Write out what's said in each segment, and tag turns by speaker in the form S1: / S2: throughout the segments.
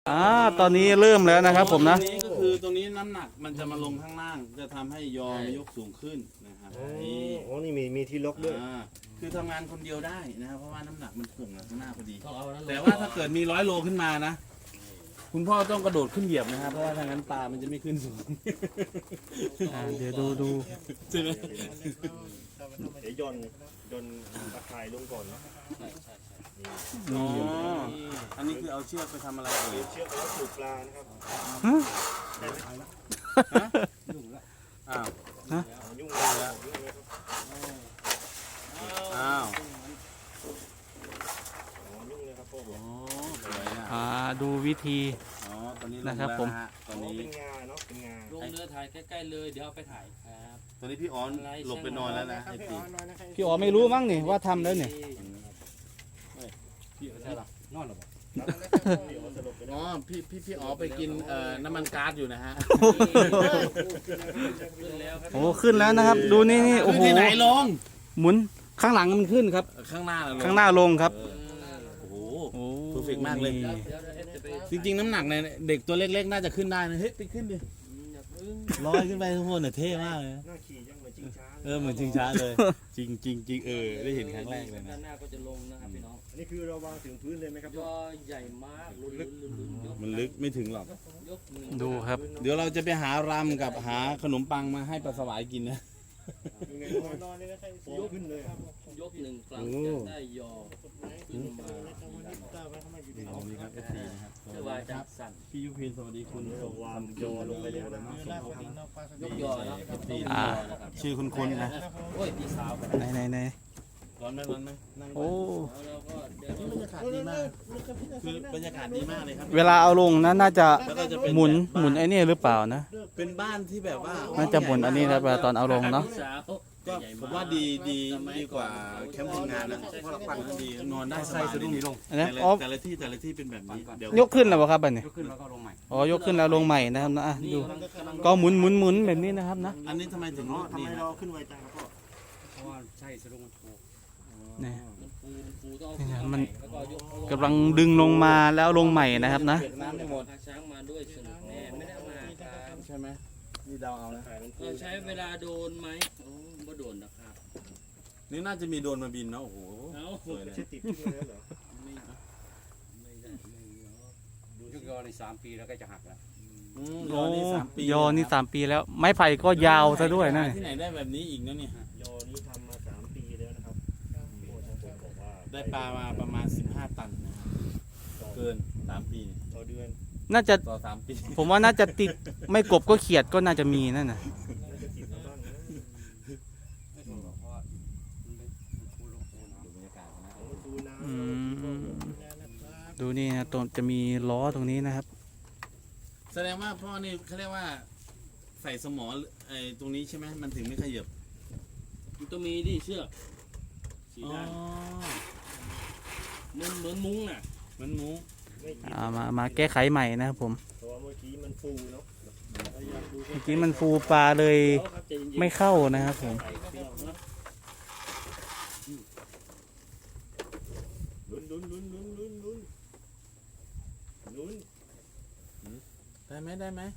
S1: ตอนนี้เริ่มแล้วนะครับผมนะ
S2: ตรงนี้ก็คือตรงนี้น้ำหนักมันจะมาลงข้างล่างจะทำให้ยอมยกสูงขึ้นนะครับนี่
S3: อ๋อนี่มีที่ล็อกด้วย
S2: คือทำงานคนเดียวได้นะครับเพราะว่าน้ำหนักมันถ่วงข้างหน้าพอดีแต่ว่าถ้าเกิดมี100 โลขึ้นมานะคุณพ่อต้องกระโดดขึ้นเหยียบนะครับเพราะว่าทางนั้นปลามันจะไม่ขึ้นสูง
S1: เดี๋ยวดู
S2: ใช่ไหม
S3: เดี๋ยวย่นตะข่ายลงก่อนเนาะ
S2: อ๋ออันนี้คือเอาเชือกไปทำอะไรเอ่ย
S3: เชือกแล้วสูบปลานะครับ
S2: อ้าว
S3: ยุ่งเลยครับ
S2: อ้าว
S3: ยุ่งเลยครับพ่อบอก
S2: อ๋อสวยนะ
S1: ดูวิธี
S2: อ๋อตอนนี้ลง
S1: นะครับ
S2: แล้ว
S1: ผม
S2: ฮะตอนนี้
S3: เป็นงาเนาะเป็นงา
S4: ลงเรือถ่ายใกล้ๆเลยเดี๋ยวเอาไปถ่ายครับ
S2: ตอนนี้พี่ออนหลบไปนอนแล้วนะไอ้พี่
S1: พี่อ๋อไม่รู้มั้งนี่ว่าทำแล้วเนี่ย
S4: พี่ใช่หรอนอนหรอ
S2: อ๋อพี่อ๋อไปกินน้ำมันก๊าซอยู่นะฮะ
S4: ขึ้นแล้วครับ
S1: โอ้ขึ้นแล้วนะครับ ดูนี่โอ้โห
S2: ที่ไหนลง
S1: หมุนข้างหลังมันขึ้นครับ
S2: ข้างหน้าลง
S1: ข้างหน้าลงครับ
S2: โอ้โห
S1: โอ้
S2: perfect มากเลย
S4: เดี๋ยวเอฟจะไป
S2: จริงๆน้ำหนักเนี่ยเด็กตัวเล็กๆน่าจะขึ้นได้นะเฮ้ยไปขึ้นดิ
S4: อย่าพึ่ง
S2: ลอยขึ้นไปทุกคนเนี่ยเท่มากเลย
S3: หน้าขี่ยังเหมือนจริงช้า
S2: เหมือนชิงช้าเลย จริงจริงจริงได้เห็นครั้งแรกเลย
S4: ด้า
S2: นะ
S4: นหน้าก็จะลงนะครับพี่น้อง
S3: อันนี้คือเราวางถึงพื้นเลยไหมครับ
S4: ยอใหญ่มากลุ้นยก
S2: มันลึกไม่ถึงหรอก
S4: ยกหนึ่ง
S1: ดูครับ
S2: เดี๋ยวเราจะไปหารำกับหาขนมปังมาให้ปลาสวายกินนะ
S3: ยังไงนอนเลยนะครับยกขึ้นเลย
S4: ยกหนึ่งครั้งจะได้ยอขึ้นมา
S2: นี่ครับ FC นะครับ
S4: เพื่อว่าจะสั่น
S2: พี่ยุพินสวัสดีคุณ
S3: วางโยลงไปแล้วนะครับ
S4: ยกยอเนาะ
S2: FC ชื่อคุณนะ
S4: โอ้ยพี่สาวกัน
S1: ไหน
S2: ร้อนไหมร้อนไหมนั่ง
S1: โอ้
S4: แล้วก็เดี๋ยว
S2: บรรยากาศดีมากคือบรรยากาศดีมากเลยครับ
S1: เวลาเอาลงนะน่าจะ
S2: แล้วก็จะเป็น
S1: หมุน
S2: แบบ
S1: หมุนไอ้นี่หรือเปล่านะ
S2: เป็นบ้านที่แบบว่า
S1: น่าจะหมุนอันนี้นะเวลาตอนเอาลงเนาะ
S4: พี่สาว
S2: ก็ผมว่าดีกว่าแคมป์คนงานนะเพราะเราปั่นดีนอนได้สบายเลย
S1: อันนั้น
S2: แต่
S1: อ๋อ
S2: ละที่เป็นแบบนี้เดี๋ยวย
S1: กขึ้นแล้วเหรอครับอันนี้
S4: ยกขึ้นแล้วก็ลงใหม่
S1: อ๋อยกขึ้นแล้วลงใหม่นะครับนะดูก็หมุนแบบนี้นะครับนะ
S2: อันนี้ทำไมถึง
S3: อ๋อ
S2: นี่
S3: ทำไม
S2: นะ
S3: เราขึ้นไวจังครับพ่อ
S4: เพราะว่าใช่สะดุ้งมันถูก
S1: นี่
S4: มันฟูต้อง
S1: นี่นะ
S4: เอา
S1: มัน
S4: แล้วก็ยกเอา
S1: กำลังดึงลงมาแล้วลงใหม่นะครับนะ
S2: เปียกน้ำไม่หมด
S4: พาช้างมาด้วยสนุกแน่ไม่ได้เอามาครับ
S2: ใช่ไหมนี่เดาเอานะ
S4: เราใช้เวลาโดนไหมโอ้บ่โดนนะครับ
S2: นี่น่าจะมีโดรนมาบินเนาะโอ้โห
S4: เอา
S2: สวยเลย
S3: ใช่ติดขึ้นมาแล้วเหรอ
S4: ไม่ได้ไม่ได้ยกยอใน3 ปีแล้วก็จะหักแล้ว
S2: ยอนี่3 ปี
S1: ยอนี่3 ปีแล้ว ไม้ไผ่ก็ยาวซะด้วยนะ
S2: ที่ไหนได้แบบนี้อีกนะเนี่ย
S3: ยอนี้ทำมา3 ปีแล้วนะครับโอ้ทางผมบอกว่า
S2: ได้ปลามาประมาณ15 ตันนะครับเกิน3 ปี
S3: ต่อเดือน
S1: น่าจะ
S2: ต่อ3 ปี
S1: ผมว่าน่าจะติดไม่กบก็เขียดก็น่าจะมีนั่นน่ะ
S3: น่าจะติดมาบ้างนะ
S4: เพราะว่ามันฟูลงฟูน้
S2: ดูบรรยากาศนะ
S3: ของมันดูน้ำ
S1: อืมดูนี่นะตรงจะมีล้อตรงนี้นะครับ
S2: แสดงว่าพ่อนี่เขาเรียกว่าใส่สมอไอ้ตรงนี้ใช่ไหมมันถึงไม่ขยับ
S4: มันต้องมีดิเชือกสี
S2: อ๋อ
S4: ด้านเหมือนมุ้งน่ะ
S2: มันหมู
S3: ไม่ติด
S1: มาแก้ไขใหม่นะครับผม
S3: เพราะว่าเมื่อกี้มันฟูเนาะเราอยากดู
S1: เมื่อกี้มันฟูปลาเลย
S4: เอาครับใจเย็นๆ
S1: ไม่เข้านะครับผม
S4: ใส่เชือกนะ
S3: ลุ้น
S2: ได้ไหมได้ไหม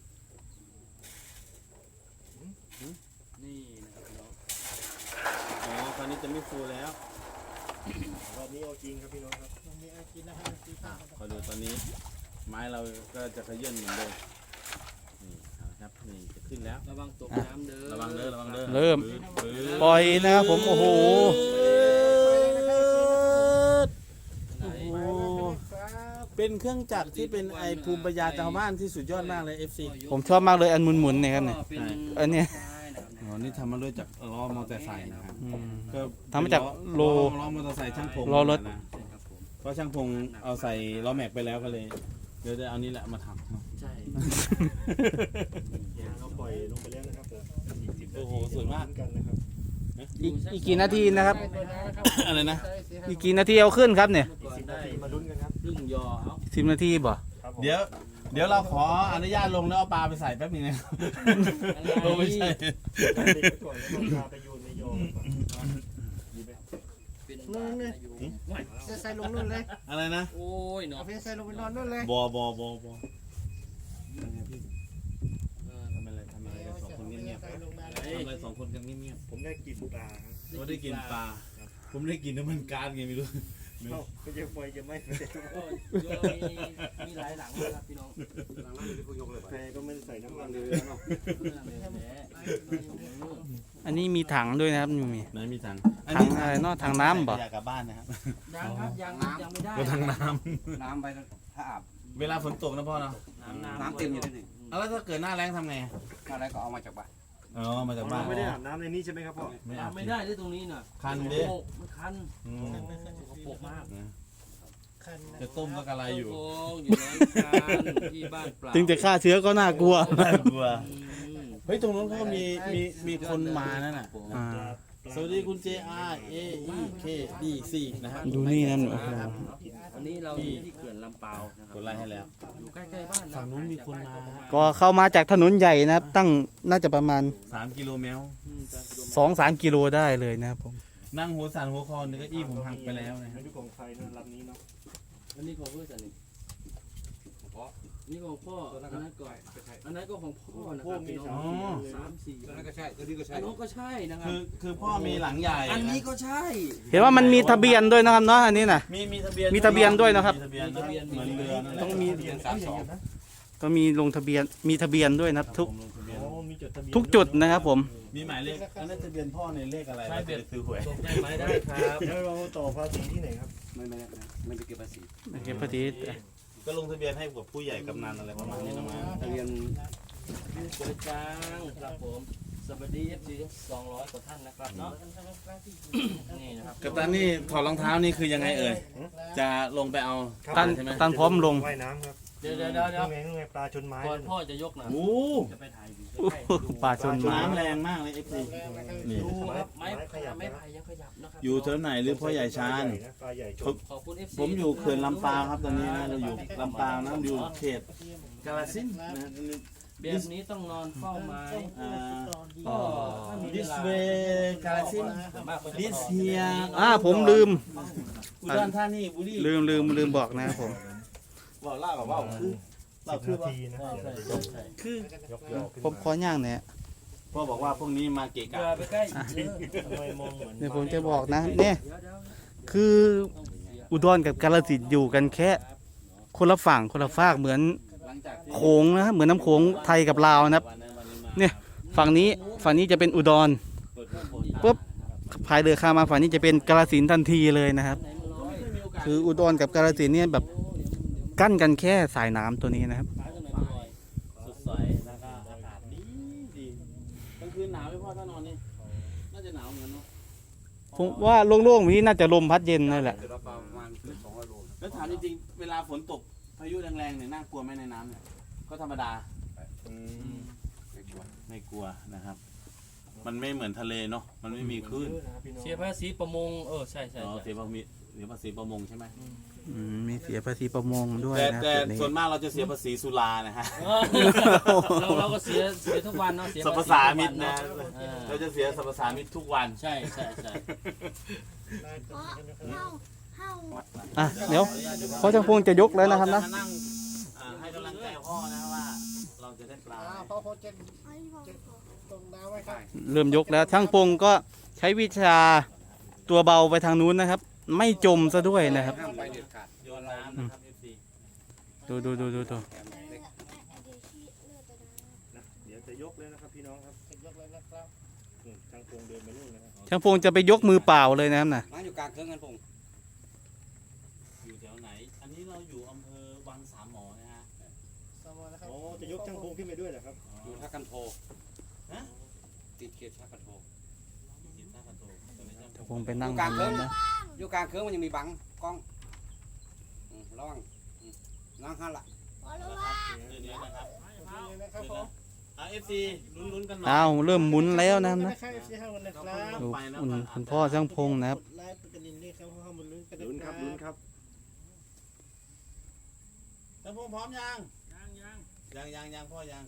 S4: นี่นะครับพี่น้อง
S2: อ๋อคราวนี้จะไม่ฟูแล้ว
S3: รอบนี้เอาจริงครับพี่น้องครับ
S2: คอยดูตอนนี้ ไม้เราก็จะขยื่นเหมือนเดิมนี่เอาละครับนี่จะขึ้นแล้ว
S4: ระวังตกน้ำเด้อ
S2: ระวังเด้อระวังเด้อ
S1: เริ่ม
S2: ปื๊ด
S1: ปล่อยนะครับผมโอ้โห
S4: ไหน
S2: โอ้เป็นเครื่องจักรที่เป็นไอภูมิปัญญาชาวบ้านที่สุดยอดมากเลย FC
S1: ผมชอบมากเลยอันหมุนๆเนี่ยครับเนี่ย
S4: เป็น
S1: อันเนี้ย
S2: อ๋อนี่ทำมาด้วยจากล้อมอเตอร์ไซค์นะครับ
S1: อืม
S2: ก็
S1: ทำมาจากโล
S2: ล้อมอเตอร์ไซค์ช่างพง
S1: ล้อรถ
S2: นะเพราะช่างพงเอาใส่ล้อแม็กไปแล้วก็เลย เดี๋ยวจะเอานี่แหละมาทำเนาะ
S4: ใช่
S3: เราปล่อยลงไปแล้วนะครับผม40
S2: โอ้โหสวยมาก
S3: กันนะครับ
S1: อีกกี่นาทีนะครับ
S2: อะไรนะ
S1: อีกกี่นาทีเอาขึ้นครับเนี่ย
S4: ก่อน
S3: 10
S4: ได้
S3: นาทีมาลุ้นกันครับ
S4: ครึ่งยอเอา
S1: 10 นาทีบ่
S3: ครับผม
S2: เดี๋ยวเราขออนุญาตลงแล้วเอาปลาไปใส่แป๊บนึงนะครับโอ้ไม่ใช่
S3: เด็กไปก่อนแล้วก็พาไปโยนในยอก่อนดีไหม
S4: เป็น
S5: นู่นเลยใส่ลงนู่นเลย
S2: อะไรนะ
S4: โอ้ยเนาะ
S5: เอาเฟซใส่ลงไปนอนนู่นเลย
S2: บทำอะไรกันสองคนเงียบๆทำอะไรสองคนกันเงียบ
S3: ผมได้กลิ่นปลาครับ
S2: ๆเราได้กินปลาผมได้กินน้ำมันก๊าซไงไม่รู้
S3: ก็จะไฟจะไหม้
S4: มีหลายหลังนะครับพี่น้องหลังนั้นเป็นผู้ยกเลย
S3: แฟก็ไม่ได้ใส่น้ำมัน
S4: เล
S3: เลย ย
S4: เนาะ
S1: อันนี้มีถังด้วยนะครับมี
S2: ไหนมีถัง
S1: ถังอะไรเนาะถังน้ำบ่
S2: อยากกลับบ้านนะครับ
S4: ยังครับยังไม่ได้
S2: ก็ถังน้
S4: น้ำไปถ้าอาบ
S2: ำเวลาฝนตกนะพ่อเนาะ
S4: น้ำเต็มอยู่ที่นี่
S2: แล้วถ้าเกิดหน้าแล้งทำไง
S4: อะไรก็เอามาจากบ้าน
S2: อ๋อมาจากบ้าน
S3: ไม่ได้อาบน้ำในนี้ใช่ไหมครับพ่อ
S2: ไม่อาบ
S4: ไม่ได้ที่ตรงนี้น่ะ
S2: คันดิ
S4: มันคัน
S2: อืม
S4: ปกมาก
S5: คัน
S2: จะต้มก็กระไรอยู่
S4: โอ้อยู่ในการที่บ้านเปล่า
S1: ถึงจะฆ่าเชื้อก็น่ากลัว
S2: น่ากลัวเฮ้ยตรงนู้นเขาก็มีคนมานั่นน่ะ
S1: อ่า
S2: สวัสดีคุณ JR AEKD4 นะครับ
S1: ดูนี่นะโอ้โห
S4: อันนี้เราอยู่ที่เขื่อนลำเปาวนะค
S2: ก
S4: รับ
S2: ดไลค์ให้แล้ว
S4: อยู่ใกล้ๆบ้าน
S2: ฝั่งนู้นมีคนมาฮะ
S1: ก็เข้ามาจากถนนใหญ่นะครับ ตั้งน่าจะประมาณ
S2: 3 กิโลเมตร
S1: 2-3 กิโลได้เลยนะครับผม
S2: นั่งหัวสั่นหัวคอนึกว่าอี้ผมหักไปแล้วนะค
S3: ไม่
S2: รับ
S3: รู้ของใครนะลำนี้เนาะ
S4: อันนี้ของเพื่อนสันนี่นี่ของพ่ออันนั้นก็อันนั้นก็ของพ่อนะครับพี่น้อง3-4
S2: อันนั้นก็ใช่ตัวนี้ก็ใช่
S4: อันนู้นก็ใช่นะครับ
S2: คือพ่อมีหลังใหญ่
S4: อันนี้ก็ใช่
S1: เห็นว่ามันมีทะเบียนด้วยนะครับเนาะอันนี้นะ
S2: มีทะเบียน
S1: มีทะเบียนด้วยนะครับ
S2: มีทะเบียนเหมือนเรือนั่นแหละ
S1: ต้องมี
S2: ทะเบียน32
S1: ก็มีลงทะเบียนมีทะเบียนด้วยนะครับ ทุก
S2: ผมลงทะเบียน
S3: อ๋อมีจดทะเบียน
S1: ทุกจุดนะครับผม
S2: มีหมายเลขอันนั้นทะเบียนพ่อในเลขอะไร
S4: ใช่
S2: เราจะไปซื้อหวย
S4: ส่งได้ไหมได้ครับ
S3: แล้วเราต่อภาษีที่ไหนครับ
S4: ไม่ไปเก็บภาษี
S1: โอเคพอดี
S2: ก็ลงทะเบียนให้กับผู้ใหญ่กำนันอะไรประมาณนี้นะมั้ง
S4: ทะเบียนสวยจังครับผมสวัสดี FC 200 กว่าท่านนะครับเนาะนี่นะครับ
S2: กัปตันนี่ถอดรองเท้านี่คือยังไงเอ่ยจะลงไปเอา
S1: ตัน
S2: ใช่ไหม
S1: ตันพร้อมลง
S3: ว่ายน้ำครับ
S4: เดี๋ยว
S3: นู่นไงปลาชนไม้
S4: ก่อนพ่อจะยกนะ
S2: โอ้
S4: จะไปถ่ายวิว
S1: โอ้โหป่าชนไม้
S2: น้ำแรงมากเลย FC นี่
S4: ดูครับไม้พายยังขยับนะครับ
S2: อยู่เท่าไหนหรือพ่อใหญ่ชาญ
S3: ปลาใหญ่ชน
S4: ขอบคุณ FC
S2: ผมอยู่เขื่อนลำปาวครับตอนนี้นะเราอยู่ลำปาวนะอยู่เขตกาฬสินธุ์นะ
S4: แบบนี้ต้องนอนเฝ้าไม้
S2: อ่า
S4: ก็ถ้ามีเว
S2: this
S4: ลา
S2: way กาฬสินธุ์
S4: ส่วนมากก็จะ
S2: this here
S1: ผมลืม
S2: อุดรธานีบุรี
S1: ลืมบอกนะครับผม
S2: บอกเล่ากับว่าคือเราคือ
S3: นา
S2: ว่า
S3: ทีนะ
S2: คือ
S3: ยกยอขึ้น
S1: ผมขอย่างเนี่ย
S2: พ่อบอกว่าพวกนี้มาเกะ
S4: เกลื
S2: กะ
S4: อไปใกล้
S3: ทำไมมองเหมือน
S1: เดี๋ยวผมจะบอกนะเนี่ย
S4: เดี๋ยว
S1: คืออุดรกับกาฬสินธุ์อยู่กันแค่คนละฝั่งคนละฝากเหมือน
S4: หลังจากที่
S1: โขงนะเหมือนน้ำโขงไทยกับลาวนะครับ เนี่ย ฝั่งนี้จะเป็นอุดร ปุ๊บ พายเรือข้ามมาฝั่งนี้จะเป็นกาฬสินธุ์ทันทีเลยนะครับ คืออุดรกับกาฬสินธุ์เนี่ยแบบกั้นกันแค่สายน้ำตัวนี้นะครับ
S2: สดใสแล้วก็อากาศดีกลางคืนหนาวไหมพ่อถ้านอนนี่น่าจะหนาวเหมือนกันเนาะ
S1: ผมว่าโล่งๆแบบนี้น่าจะลมพัดเย็นนั่นแหละ
S4: เดี๋ยวเราประมาณเกือบ200 โล
S2: แล้วถามจริงๆเวลาฝนตกพายุแรงๆเนี่ยน่ากลัวไหมในน้ำเนี่ยก็ธรรมดา ไม่กลัวนะครับ มันไม่เหมือนทะเลเนาะ มันไม่มีคลื่น
S4: เสียภาษีประมงใช่
S2: อ๋อเสียภาษีประมงใช่ไหม
S1: มีเสียภาษีประมงด้วย
S2: แต่
S1: นะ
S2: แต่
S1: จุดนี้
S2: ส่วนมากเราจะเสียภาษีสุรานะฮะ
S4: เราก็เสียทุกวันเนาะเสีย
S2: สรรพสามิตนะ
S4: เออ
S2: เราจะเสียสรรพสามิตทุกวัน
S4: ใช่
S1: อ่ะเดี๋ยวพ่อช่างพงจะยกแล้วนะครับนะ
S2: เาจมางให้กำลังใจพ่อนะว่า เราจะได้ปลา
S5: พอโคเจนตรงน้ำไว้ครับ
S1: เริ่มยกแล้วช่างพงก็ใช้วิชาตัวเบาไปทางนู้นนะครับ ไม่จมซะด้วยนะครับ
S4: ห้ามไปเด็ดขาด
S2: โยนน้ำนะครับ FC
S1: ดู
S3: เดี๋ยวจะยกเลยนะครับพี่น้องครับ
S5: ยกเลยนะครับ
S3: ทางโคงเดินไปนู่นนะครับ
S1: ช่างพงจะไปยกมือเปล่าเลยนะครับนะ
S4: ร้านอยู่กลางเครื่องกันพง
S2: อยู่แถวไหน อันนี้เราอยู่อำเภอวังสามหมอนะฮะ
S5: สมอนะครับ
S3: อ๋อจะยกช่างโคงขึ้นไปด้วยเหรอครับ
S4: อยู่ท่ากันโท
S2: ฮะ
S4: ติดเขตท่ากันโท
S2: ติดท่ากระโตกตรงนี้
S1: ช่างพงไปนั่งตรงนั้นนะ
S4: อยู่กลางเครื่องมันยังมีบังกล้องระวังนั่งหันละ
S2: เดี๋ยวนะครับ
S5: นะครับผม
S2: FC ลุ้นๆกันหน่อย
S1: อ้าวเริ่มหมุนแล้วนะครับนะ
S5: นะครับFC ห้าวันนะครับ
S1: ดูคุณพ่อช่างพงนะครับ
S5: กดไลค์กดกระดิ่งด้วยครับเพราะว่ามันลุ้นกัน
S3: ลุ้นครับลุ้นครับ
S2: ท่านพงษ์พร้อมยังยังพ่อยัง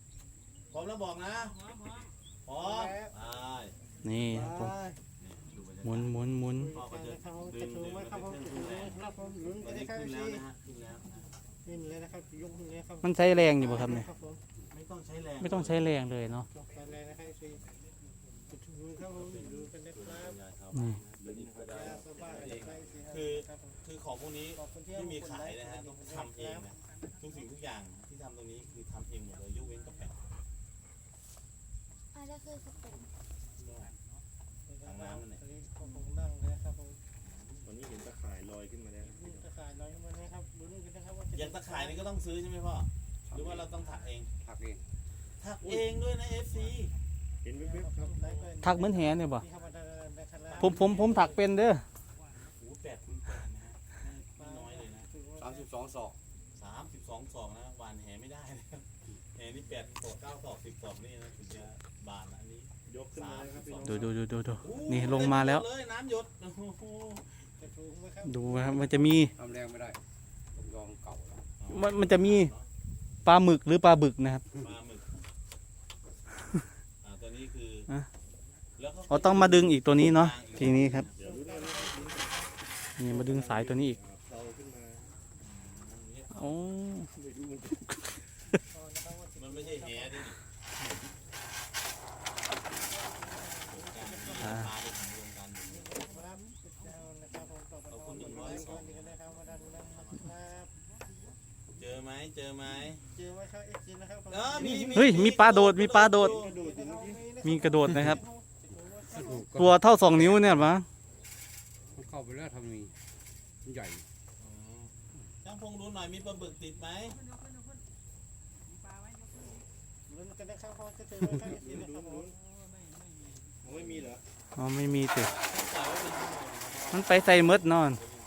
S2: พร้อมแล้วบอกนะพร้อมไป
S1: นี่
S5: ไป
S1: ผม
S2: ดูบรร
S1: หมุนหมุนหมุน
S2: พ่อก็จะ
S5: นะครับผม
S2: ดึ
S5: จะ
S2: ง
S5: ถู
S2: ดึ
S5: ก
S2: ง
S5: ไหมครับผม
S2: ขึ้น
S5: จะถูกไหม
S2: แล้ว
S5: ครับผมลุ้น
S2: ตอน
S5: กัน
S2: นี้
S5: นะครับ
S2: ขึ้น
S5: เอ
S2: แล้ว
S5: ฟซี
S2: นะฮะขึ้นแล้วนะ
S5: ขึ้นเลยนะครับยกขึ้นเลยครับ
S1: มันใช้แรงอยู่ป่ะครับเนี่ย
S5: ครับผม
S2: ไม่ต้องใช้แรง
S1: ไม่ต้องใช้แรงเลยเนาะ
S5: ยกไปเลยนะครับเอฟซีจะถูกครับผมดูกันนะครับ
S1: นี่
S5: สบายนะครับ
S2: คือของพวกนี้
S5: ขอบคุณที่
S2: ไม่มีขายนะฮะต้องทำเองนะทุกสิ่งทุกอย่างที่ทำตรงนี้คือทำเองหมดเลยยกเว้นกระแปะ
S6: อันนี้คือสเต็ป
S2: ทางน้ำนั่นแหละ
S5: ผมนั่งเลยครับผม
S3: วันนี้เห็นตะข่ายลอยขึ้นมาแล้ว
S5: นี่ตะข่ายลอยขึ้นมานะครับลุ้นกันนะครับว่าจะ
S2: อย่างตะข่ายนี่ก็ต้องซื้อใช่ไหมพ่อหรือว่าเราต้องถักเอง
S4: ถักเอง
S2: ถักเองด้วยนะ FC
S3: เห็นวิบๆครับ
S1: ถักเหมือนแหเนี่ยป่ะ
S5: นี่ครับนะครับ
S1: ผมถักเป็นเด้อ
S2: โอ้8 คูณ 8นะฮะไม่น้อยเลยนะ
S4: 32ศอก
S2: 32 ศอกนะหวานแหไม่ได้นะครับแหนี่8 ศอก 9 ศอก 10 ศอกนี่นะถึงจะบานละอันนี้
S3: ยกขึ้นมาแล้วครับพี่น้อง
S1: ดูนี่ลงมาแล้ว
S2: เลยน้ำหยดโอ้โห
S5: จะถูกไหมครับ
S1: ดูนะครับมันจะมี
S4: ทำแรงไม่ได้ผมยอมเก่าแล้ว
S1: มันจะมีปลาหมึกหรือปลาบึกนะครับ
S2: ปลาหมึกตัวนี้คือ
S1: อ่ะ
S2: แล้วก็
S1: เราต้องมาดึงอีกตัวนี้เนาะทีนี้ครับ
S3: เดี๋ยวรู้ได้นะครับ
S1: นี่มาดึงสายตัวนี้อีก
S3: เตาขึ้นมา
S1: โอ้
S3: ไม่รู้มัน
S2: มันไม่ใช่แหดิ
S1: อ่า
S2: ปลาไปถึงรวมกัน
S5: ครับนะครับผมต่อไปคนนี้กันนะครับมาดันนะครับ
S2: เจอไหมเจอไหม
S5: เจอไหมครับเอฟซีนะครับ
S1: เฮ้ยมีปลาโดดมีปลาโดด
S3: กระโดดอยู่เมื่อกี้
S1: มีกระโดดนะครับ ตัวเท่า2 นิ้วเนี่ยมั้ง
S4: มันเข้าไปแล้วทำมีมันใหญ่
S2: ช่างพงดูหน่อยมีปลาบึกติดไหม
S5: ลุ้นกันนะครับเขาจะเจอไหมครับเอฟซีนะครับผม
S3: ผมไม่มีเหรอ
S1: อ๋อไม่มีสิ
S2: ใส่ไว้เป็นชั่วโมง
S1: มันไปใส่มดนอน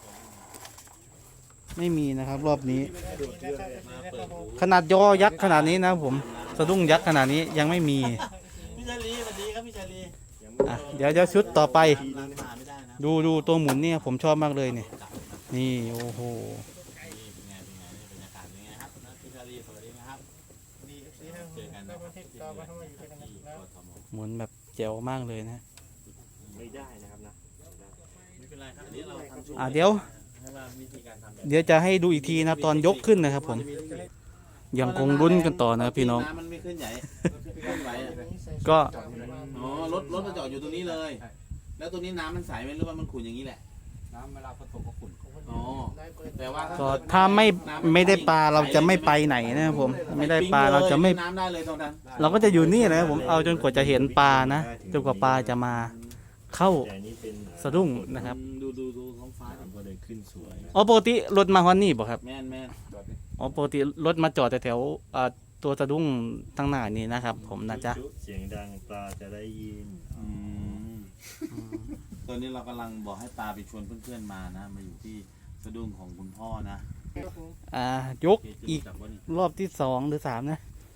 S1: ไม่มีนะครับ รอบนี้
S5: กระโดดเยอะเลย
S2: มาเปิดหู
S1: ขนาดยอยักษ์ขนาดนี้นะผมสะดุ้งยักษ์ขนาดนี้ยังไม่มี
S2: พี่ชาลีสวัสดีครับพี่ชาลี
S3: ยังไม่
S1: อ่ะเดี๋ยวชุดต่อไป
S2: ร้านมาไม่ได้นะ
S1: ดูตัวหมุนเนี่ยผมชอบมากเลยเนี่ยนี่โอ้โห
S2: นี่เป็นไงนี่บรรยากาศเป็นไงครับนะพี่ชาลีสวัสดีนะครับ
S5: ดีเอฟซีครับ
S2: เจอกันนะค
S5: วั
S2: รับ
S5: นที่
S2: ที่
S5: ต่อมาทำไมอยู่ด้วยกัน
S2: ที่
S5: นะ
S2: กทม
S1: หมุนแบบแจ๋วมากเลยนะ
S3: ไม่ได้นะครับนะ
S2: ไม่เป็นไรครับอันนี้เราทำโชว์
S1: เดี๋ยว
S2: ให้ว่าวิธีการทำแบบ
S1: เดี๋ยวจะให้ดูอีกทีนะตอนยกขึ้นนะครับผมยังคงลุ้นกันต่อนะครับพี่น้อง
S2: น้ำมันไม่ขึ้นใหญ่ขึ้นไหวอะ
S1: ก็
S2: อ๋อรถมาจอดอยู่ตรงนี้เลย แล้วตรงนี้น้ำมันใสไหมหรือว่ามันขุ่นอย่างนี้แหละ
S4: น้ำเวลาฝนตกก็ขุ่น
S2: อ๋อ แต่ว่า
S1: ก็ถ้าไม่ได้ปลาเราจะไม่ไปไหนนะครับผม ไม่ได้ปลาเราจะไม่
S2: น้ำได้เลยตรงนั้น
S1: เราก็จะอยู่นี่นะครับผมเอาจนกว่าจะเห็นปลานะจนกว่าปลาจะมาเข้า
S3: แต่อันนี้เป็น
S1: สะดุ้งนะครับ
S2: ดูท้องฟ้า
S3: ก็เลยขึ้นสวย
S1: อ๋อปกติรถมาฮอนนี่บ่ครับ
S2: แม่น
S1: อ๋อปกติรถมาจอดแถวๆตัวสะดุ้งทางหน้านี่นะครับ ผมนะจ๊ะ
S3: เสียงดังปลาจะได้ยิน
S2: ตอนนี้เรากำลังบอกให้ปลาไปชวนเพื่อนๆมานะมาอยู่ที่สะดุ้งของคุณพ่อนะ
S1: ยกอีก
S2: จับว่านี่
S1: รอบที่2หรือ3นะ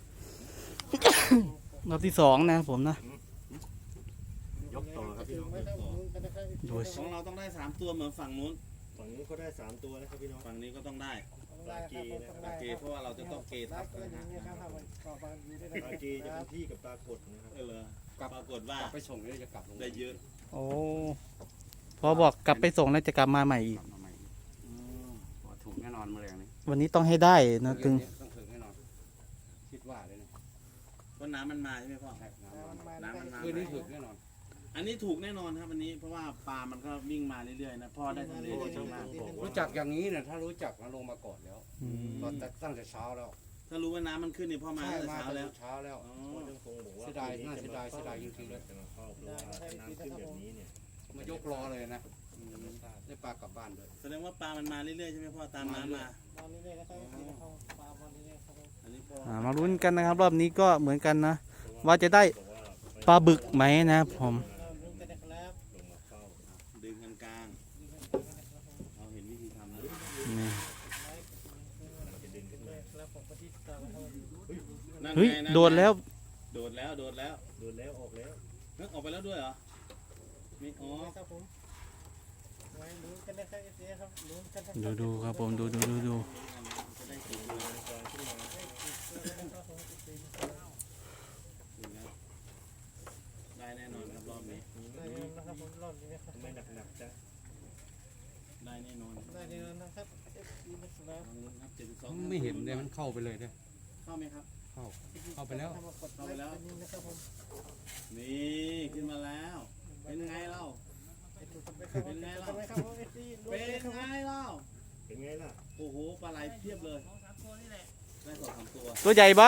S1: รอบที่2นะครับผมนะ
S3: ยกต่อครับพี่น้อง
S1: ดู
S2: ของเราต้องได้3ตัวเหมือนฝั่งนู้น
S3: ฝั่งนู้นเขาได้3ตัวนะครับพี่น้อง
S2: ฝั่งนี้ก็ต้องได้
S3: ปลากีนะครับ
S2: โอเคเพราะว่าเราจะต้องเกทับนะฮะ
S3: ปลากีจะเป็นพี่กับปลากดนะครับ
S2: เออปรากฏว่าก
S4: ลับไปส่งแล้วจะกลับลง
S2: ได้เยอะ
S1: โอ้พอบอกกลับไปส่งแล้วจะกลับมาใหม่อีก
S4: กลับมาใหม่ถูกแน่นอนแมลงนี่
S1: วันนี้ต้องให้ได้นะถึง
S4: ต้องถึงแน่นอน คิดว่าเลยนะ
S2: เพราะน้ำมันมาใช่ไหมพ่อ
S4: น้ำมัน
S2: น้ำมันมา
S4: คืนนี้ถึงแน่นอน
S2: อันนี้ถูกแน่นอนครับอันนี้เพราะว่าปลามันก็วิ่งมาเรื่อยๆนะพ่อได้ทำเลได้เยอะมาก
S4: รู้จักอย่างนี้เนี่ยถ้ารู้จักมาลงมาก่อนแล้ว
S1: อืม
S4: ตอนตั้งแต่เช้าแล้ว
S2: ถ้ารู้ว่าน้ำมันขึ้นนี่พ่อมา
S4: ใช่
S2: ตั้งแต่
S4: มา
S2: เช้า
S4: ตั้ง
S2: แล้ว
S4: แต่เช้าแล้ว
S2: อ๋อ
S3: พ่อจังคงบอกว่า
S4: เสียดายน่าเสียดายเสียดายจริงๆเลย
S3: จะมาเข้าเพราะว่าน้ำขึ้นแบบนี้เนี่ย
S4: มายกรอเลยนะได้ปลากลับบ้านเลย
S2: แสดงว่าปลามันมาเรื่อยๆใช่ไหมพ่อตามน้ำมาอันนี้พ่อ
S1: มาลุ้นกันนะครับ รอบนี้ก็เหมือนกันนะ ว่าจะได้ปลาบึกไหมนะครับผม
S3: ลงมาเข้า
S2: ดึงกันกลางเราเห็นวิธีทำแล้ว
S1: นี่
S3: จะดึงขึ้นมา
S2: นั่น
S1: เฮ้ย
S2: ไงนั่นไง
S1: โดดแล้ว
S2: โดดแล้ว
S3: โดนแล้วออกแล้ว
S2: นึกออกไปแล้วด้วยเหรอมีอ๋อ
S1: ดูครับผมดู
S2: จะได้สีเหลืองได้แน่นอนครับรอบนี้
S3: ทำไม
S6: ไม่เห็นเลยมันเข้าไปเลยเนี่ย
S2: เข้าไหมครับ
S6: เข้าไปแล้ว
S2: เข้าไปแล้ว นี่ขึ้นมาแล้ว เป็นไงเล่า เป็นไงเล่า เป็นไงเล่า
S3: เป็นไงล่ะ
S2: โอ้โห ปลาไหลเพียบเลยได้สองสามตัว
S1: ตัวใหญ่ปะ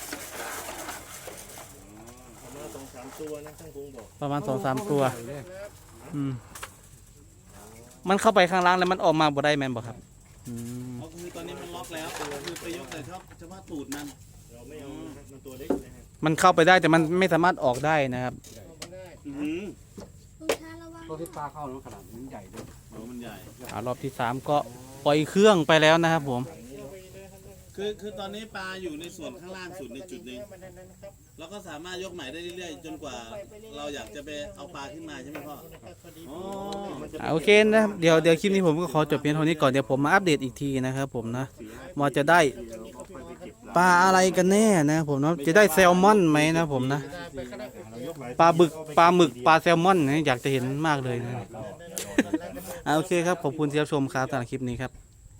S3: ประมาณ2-3 ตัวนะช่างพงบอก
S1: ประมาณ2-3 ตัวอืมมันเข้าไปข้างล่างแล้วมันออกมาบ่ได้แม่นบ่ครับอืม
S2: เพราะคือตอนนี้มันล็อกแล้วก็คือไปยกแต่เฉพาะตูดมัน
S3: เราไม่เอานะครับมันตัวเล็กนะฮะ
S1: มันเข้าไปได้แต่มันไม่สามารถออกได้นะครับ
S2: อื้อหือ
S6: ตัวที่ปลาเข้าแล้วขนาดมันใหญ่ด้วย
S2: โอ้มันใหญ่
S1: รอบที่3ก็ปล่อยเครื่องไปแล้วนะครับผม
S2: คือตอนนี้ปลาอยู่ในส่วนข้างล่างสุดในจุดหนึ่งเราก็สามารถยกใหม่ได้เรื่อยๆ จนกว่าเราอยากจะไปเอาปลาขึ้นมาใช่ไหมพ่ออ๋อ
S1: โอเคนะครับเดี๋ยวคลิปนี้ผมก็ขอจบเพียงเท่านี้ก่อนเดี๋ยวผมมาอัปเดตอีกทีนะครับผมนะว่าจะได้ปลาอะไรกันแน่นะครับผมเนาะจะได้แซลมอนไหมนะผมนะปลาบึกปลาหมึกปลาแซลมอนเนี่ยอยากจะเห็นมากเลยนะโอเคครับขอบคุณที่รับชมครับสำหรับคลิปนี้ครับ